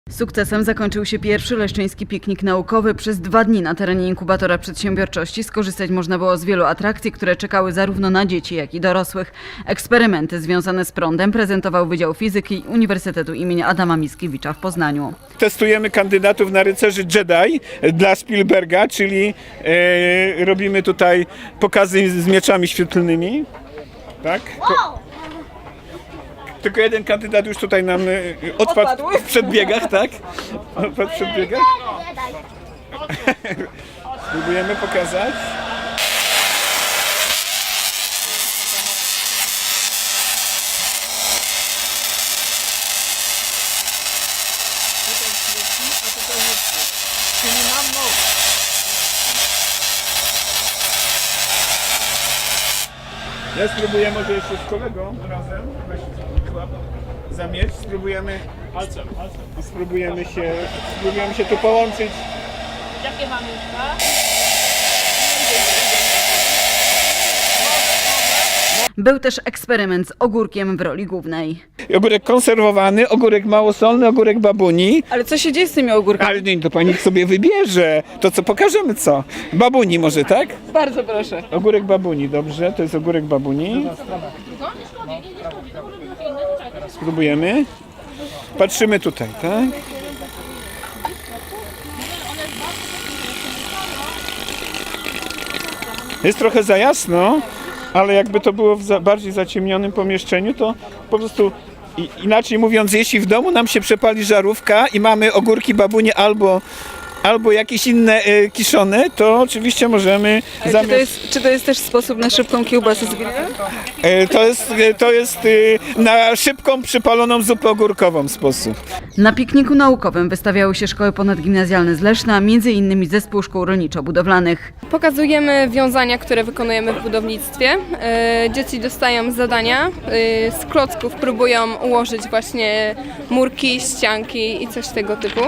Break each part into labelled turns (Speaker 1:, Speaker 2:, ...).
Speaker 1: Sukcesem zakończył się pierwszy leszczyński piknik naukowy. Przez 2 dni na terenie inkubatora przedsiębiorczości skorzystać można było z wielu atrakcji, które czekały zarówno na dzieci, jak i dorosłych. Eksperymenty związane z prądem prezentował Wydział Fizyki Uniwersytetu im. Adama Mickiewicza w Poznaniu.
Speaker 2: Testujemy kandydatów na rycerzy Jedi dla Spielberga, czyli robimy tutaj pokazy z mieczami świetlnymi. Tak? Tylko jeden kandydat już tutaj nam odpadł w przedbiegach, tak? Odpadł w przedbiegach. Spróbujemy pokazać. Ja spróbuję może jeszcze z kolegą razem. Za miecz spróbujemy. Spróbujemy się tu połączyć.
Speaker 3: Jakie mamy już,
Speaker 1: Był też eksperyment z ogórkiem w roli głównej.
Speaker 2: Ogórek konserwowany, ogórek małosolny, ogórek babuni.
Speaker 1: Ale co się dzieje z tymi ogórkami?
Speaker 2: Ale nie, to pani sobie wybierze. To co, pokażemy co? Babuni może, tak?
Speaker 1: Bardzo proszę.
Speaker 2: Ogórek babuni, dobrze, to jest ogórek babuni. Spróbujemy. Patrzymy tutaj, tak? Jest trochę za jasno, ale jakby to było w bardziej zaciemnionym pomieszczeniu, to po prostu inaczej mówiąc, jeśli w domu nam się przepali żarówka i mamy ogórki babuni albo jakieś inne kiszone, to oczywiście możemy
Speaker 1: Czy to jest też sposób na szybką kiełbasę z grilla?
Speaker 2: To jest na szybką, przypaloną zupę ogórkową sposób.
Speaker 1: Na pikniku naukowym wystawiały się szkoły ponadgimnazjalne z Leszna, m.in. Zespół Szkół Rolniczo-Budowlanych.
Speaker 4: Pokazujemy wiązania, które wykonujemy w budownictwie. Dzieci dostają zadania, z klocków próbują ułożyć właśnie murki, ścianki i coś tego typu.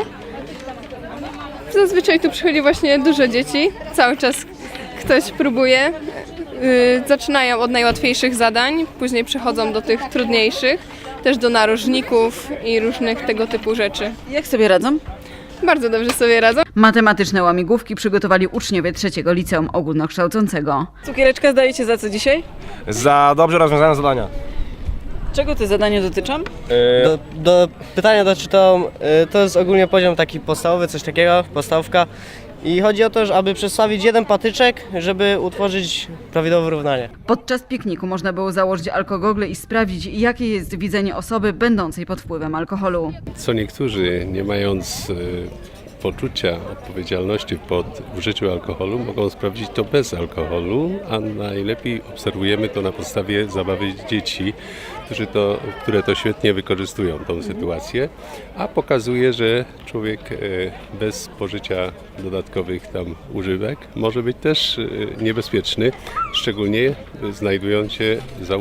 Speaker 4: Zazwyczaj tu przychodzi właśnie dużo dzieci, cały czas ktoś próbuje. Zaczynają od najłatwiejszych zadań, później przechodzą do tych trudniejszych, też do narożników i różnych tego typu rzeczy.
Speaker 1: Jak sobie radzą?
Speaker 4: Bardzo dobrze sobie radzą.
Speaker 1: Matematyczne łamigłówki przygotowali uczniowie 3. Liceum Ogólnokształcącego. Cukiereczka zdajecie za co dzisiaj?
Speaker 5: Za dobrze rozwiązane zadania.
Speaker 1: Czego te zadania dotyczą?
Speaker 6: Do pytania doczytał, to jest ogólnie poziom taki podstawowy, coś takiego, podstawka. I chodzi o to, że aby przestawić jeden patyczek, żeby utworzyć prawidłowe równanie.
Speaker 1: Podczas pikniku można było założyć alkogogle i sprawdzić, jakie jest widzenie osoby będącej pod wpływem alkoholu.
Speaker 7: Co niektórzy, nie mając poczucia odpowiedzialności pod użyciu alkoholu, mogą sprawdzić to bez alkoholu, a najlepiej obserwujemy to na podstawie zabawy dzieci, które to świetnie wykorzystują tą sytuację, a pokazuje, że człowiek bez spożycia dodatkowych tam używek może być też niebezpieczny, szczególnie znajdując się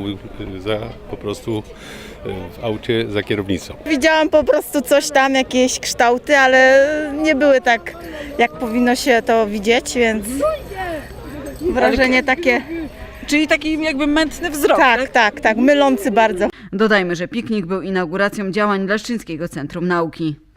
Speaker 7: po prostu w aucie za kierownicą.
Speaker 8: Widziałam po prostu coś tam, jakieś kształty, ale nie były tak, jak powinno się to widzieć, więc wrażenie takie...
Speaker 1: Czyli taki jakby mętny wzrok.
Speaker 8: Tak, mylący bardzo.
Speaker 1: Dodajmy, że piknik był inauguracją działań Leszczyńskiego Centrum Nauki.